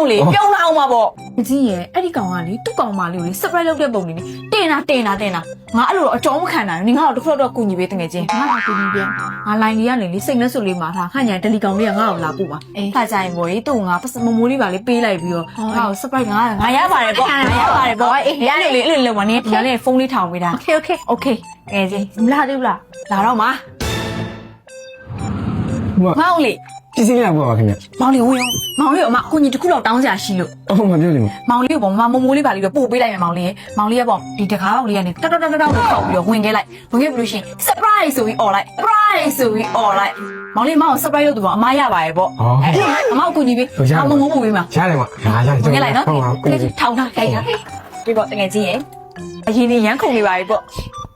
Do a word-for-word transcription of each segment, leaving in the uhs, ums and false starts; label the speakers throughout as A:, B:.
A: လေပြုံးလာအောင်ပါပေါ့အကြီးရဲ့အဲ့ဒီကောင်ကလေသူ့ကောင်မလေးကိုလေ surprise လုပ်တဲ့ပုံလေးတင်တာတင်တာတင်တာငါအဲ့လိုတော့အကြောင်းမခံနိုင်ဘူးနင်ကတော့တစ်ခါတော့ကူညီပေးတငယ်ချင်းငါကကူညီပြန်ငါ line လေးကနေလေစိတ်နဲ့စွလေးမှာထားခန့်ညာတယ်လီကောင်လေးကငါ့ကိုလာပို့ပါအေးခါကြရင်ပေါ့လေသူ့ငါမမိုးလေးပါလေပေးလိုက်ပြီးတော့ငါ့ကို surprise ငါငါရပါတယ်ပေါ့ငါရပါတယ်ပေါ့အေးရနေလေအဲ့လိုလုံးမနင်ဒီနေ့ဖုန်းလေးထောင်ပေးတာ
B: Okay okay
A: okay ငယ်ချင်းမလာသေးဘူးလားလာတော့မှာ
C: မောင်
A: မောင်လေ
C: ပစ္စည်းလာပေါ့ပါခင်ဗျ
A: မောင်လေးဝင်မောင်လေးကမအကူကြီးတစ်ခုတော့တောင်းစရာရှိလို့
C: အော်မပြောလိမ့်မယ်
A: မောင်လေးကပေါ့မမမိုးလေးပါလေးတော့ပို့ပေးလိုက်မယ်မောင်လေးမောင်လေးကပေါ့ဒီတကားပေါက်လေးကနေတောက်တောက်တောက်တောက်ကိုခောက်ပြီးတော့ဝင်ခဲ့လိုက်ဝင်ခဲ့ပြီလို့ရှိရင် surprise ဆိုပြီးអော်လိုက် surprise ဆိုပြီးអော်လိုက်မောင်လေးမောင် surprise လုပ်သူပေါ့အမရပါရဲ့ပေါ့အဲ့အမအကူကြီးပေးအမငုံငုံပေးမှာ
C: ရတယ်မဟာရတယ်
A: ဝင်ခဲ့လိုက်နော်ထောင်ထားခိုင်းထားဒီပေါ့တကယ်ကြီးရဲ့အရင်ကြီးရမ်းခုန်နေပါပြီပေါ့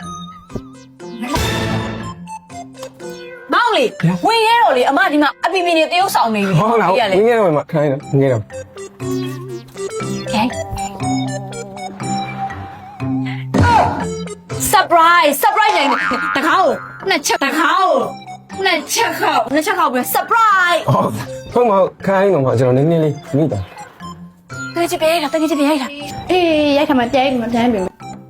A: မောင်လေးဝင်ရဲတော့လေအမဒီမှာအပီပီနေတရုပ်ဆောင်နေပြီ
C: ဟုတ်လားငင်းငယ်တော့မခိုင်းတော့ငင်းတော့
A: ကဲ surprise surprise နိုင်တခါကိုနှစ်ချက်တခါကိုနှစ်ချက်ခေါက်နှစ်ချက်ခေါက်ပြီး surprise
C: ဟုတ်မခိုင်းတော့ကျွန်တော်နည်းနည်းလေးမိတာ
A: တကယ်ချပြေးတာတကယ်ချပြေးတာ
B: အေးရိုက်ခါမှတဲမှတန်းပြီ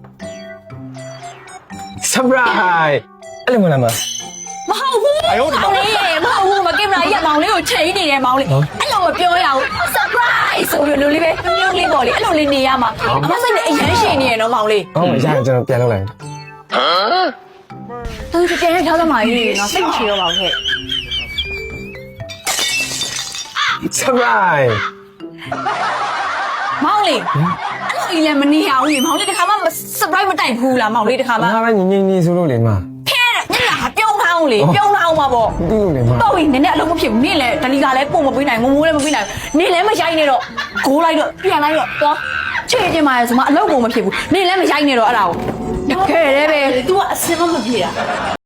C: surprise အဲ့လိုမလားမ
A: မဟုတ်ဘူးမောင်လေးမဟုတ်ဘူးမကင်မရာကြီးမောင်လေးကိုချိန်နေတယ်မောင်လေးအဲ့လိုမပြောရဘူး surprise ဆိုပြီးလိုလေးပဲမျိုးလေးပေါ့လေအဲ့လိုလေးနေရမှာအမစိတ်နဲ့အရန်ရှင်နေရနော်မောင်လေး
C: ဟုတ်မရကျွန်တော်ပြန်လုပ်လိုက်
A: ဟမ်သူပြန်ရထားသမားကြီးနော်စိတ်မရှိတော့ပါဘူးခဲ့
C: surprise
A: မောင်လေးအဲ့လိုကြီးလည်းမနေရဘူးလေမောင်လေးတခါမှ surprise မတိုက်ဘူးလားမောင်လေးတခါမှ
C: ငါပဲငင်းငင်းနေဆိုလို့လေမ
A: ဖဲတဲ့ညနာပြုံးထောင်းလေပြုံးထောင်းမှာပေါ့
C: ဒီလိုလေမ
A: တော့ဝင်နည်းနည်းအလုံးမဖြစ်ဘူးနင့်လည်းဒလီကလည်းပုံမပေးနိုင်ငုံငိုးလည်းမပေးနိုင်နင့်လည်းမရိုက်နေတော့ဂိုးလိုက်တော့ပြန်လိုက်တော့သွားချေချင်းပါရဲဆိုမှအလုံးပုံမဖြစ်ဘူးနင့်လည်းမရိုက်နေတော့အဲ့ဒါကိုတကယ်လည်းပဲ
B: तू ကအစင်မမပြေတာ